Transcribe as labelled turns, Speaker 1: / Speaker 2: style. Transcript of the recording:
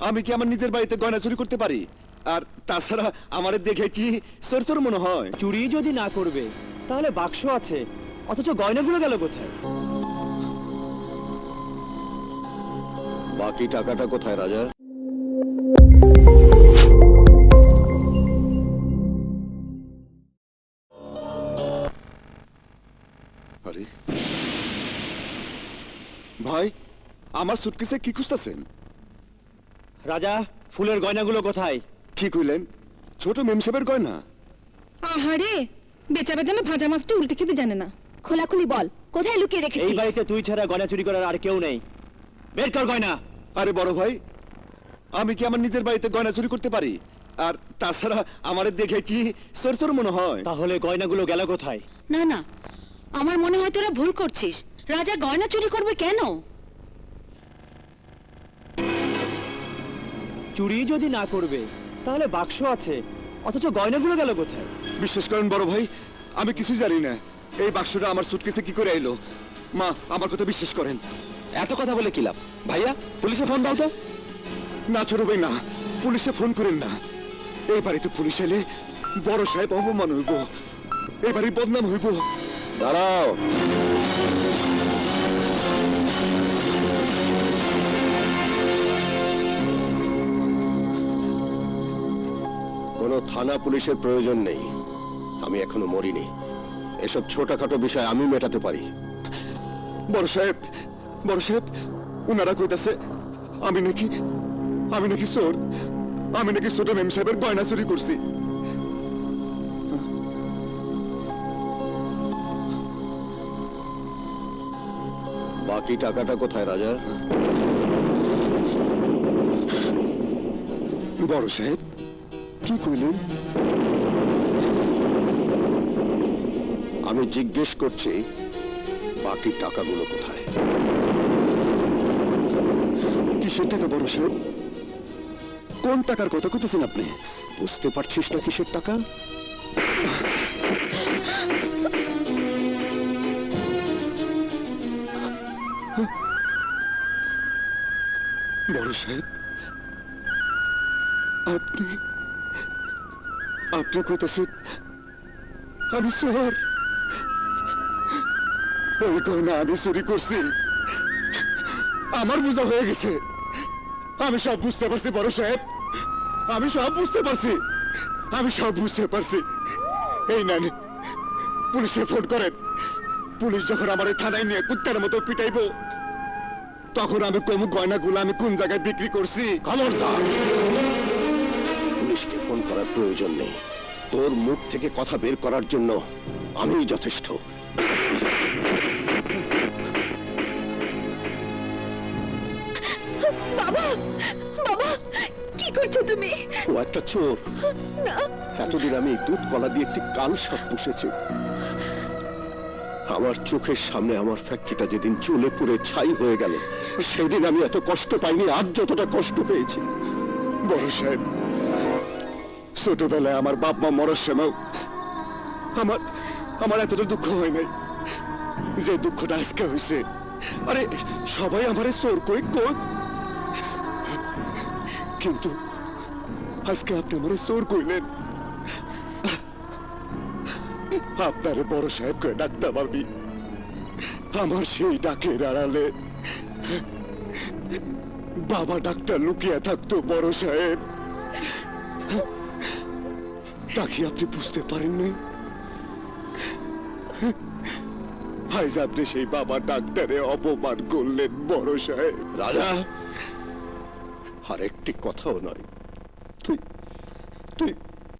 Speaker 1: আমি কি আমার নিজের বাড়িতে গয়না চুরি করতে পারি? আর তাছাড়া আমারে দেখে কি চোর চোর মনে হয়?
Speaker 2: চুরি যদি না করবে তাহলে বাক্স আছে, অথচ গয়নাগুলো গেল কোথায়?
Speaker 1: বাকি টাকাটা কোথায় রাজা? আরে ভাই, আমার সুটকেসে কি খুঁজতেছেন?
Speaker 2: রাজা, ফুলের গয়নাগুলো কোথায়?
Speaker 1: কি কইলেন? ছোট মেমসাহেবের গয়না?
Speaker 3: আহারে, বেচা বেদামে ভাজা মাছটা উল্টে খেতে জানে না। খোলাখুলি বল, কোথায় লুকিয়ে রেখেছিস?
Speaker 2: এই বাড়িতে তুই ছাড়া গয়না চুরি করার আর কেউ নেই। বের কর গয়না।
Speaker 1: আরে বড় ভাই, আমি কি আমার নিজের বাড়িতে গয়না চুরি করতে পারি? আর তাছাড়া আমারে দেখে কি চোর চোর মনে হয়?
Speaker 2: তাহলে গয়নাগুলো গেল কোথায়?
Speaker 3: না না, আমার মনে হয় তোরা ভুল করছিস। রাজা গয়না চুরি করবে কেন?
Speaker 2: চুরি যদি না করবে তাহলে বাক্স আছে, অথচ গয়নাগুলো গেল কোথায়?
Speaker 1: বিশ্বাস করেন বড় ভাই, আমি কিছুই জানি না। এই বাক্সটা আমার সুটকেসে কি করে এলো? মা, আমার কথা বিশ্বাস করেন।
Speaker 2: এত কথা বলে কি লাভ? ভাইয়া, পুলিশে ফোন দাও তো।
Speaker 1: না ছোট ভাই, না, পুলিশে ফোন করেন না। এই বাড়িতে পুলিশ এলে বড় সাহেব অপমান হইব, এই বাড়ি বদনাম হইব।
Speaker 2: দাঁড়াও।
Speaker 4: কোনো থানা পুলিশের প্রয়োজন নেই। আমি এখনো মরিনি। এসব ছোটখাটো বিষয় আমি মেটাতে পারি।
Speaker 1: বড় সাহেব, বড় সাহেব, উনারা কইতাছে আমি নাকি চোর। আমি নাকি ছোট মেম সাহেবের গয়না চুরি করছি।
Speaker 4: বাকি টাকাটা কোথায় রাজা?
Speaker 1: বড় সাহেব, কি কইলেন?
Speaker 4: আমি জিজ্ঞেস করছি, বাকি টাকাগুলো কোথায়?
Speaker 1: কিসের টাকা বড় সাহেব? কোন টাকার কথা কইতেছেন আপনি?
Speaker 4: বুঝতে পারছিস না কিসের টাকা?
Speaker 1: বড় সাহেব, আপনি কইতেছেন আমি চোর? ওই গয়না আমি চুরি করছি। আমার বোঝা হয়ে গেছে। আমি সব বুঝতে পারছি বড় সাহেব, আমি সব বুঝতে পারছি, আমি সব বুঝতে পারছি। এই নেন, পুলিশে ফোন করেন। পুলিশ যখন আমার এই থানায় নিয়ে কুত্তার মতো পিটাইবো, তখন আমি কমু গয়নাগুলো আমি কোন জায়গায় বিক্রি করছি।
Speaker 4: খবরদার! পুলিশকে ফোন করার প্রয়োজন নেই। তোর মুখ থেকে কথা বের করার জন্য আমিই যথেষ্ট।
Speaker 3: বাবা, বাবা, কি করছো তুমি?
Speaker 4: ও একটা চোর।
Speaker 3: না,
Speaker 4: এতদিন আমি দুধ কলা দিয়ে একটি কাল সাপ পুষেছি। আমার চোখের সামনে আমার ফ্যাক্টরিটা যেদিন জ্বলে পুড়ে ছাই হয়ে গেল, সেদিন আমি এত কষ্ট পাইনি আজ যতটা কষ্ট পেয়েছি।
Speaker 1: বড় সাহেব, ছোটবেলায় আমার বাপ মা মরার সময় আমার এতটা দুঃখ হয় নাই যে দুঃখটা আজকে হয়েছে। আরে সবাই আমারে চোর কই কই, কিন্তু আজকে আপনি আমারে চোর কইলেন। আপনারে বড় সাহেব কয়ে ডাকতাম আমি। আমার সেই ডাকের আড়ালে বাবা ডাক্তার লুকিয়ে থাকতো বড় সাহেব। তা কি আপনি বুঝতে পারেন নাই? আজ আপনি সেই বাবা ডাক্তারে অপমান করলেন বড় সাহেব।
Speaker 4: রাজা, আর একটি কথাও নয়। তুই তুই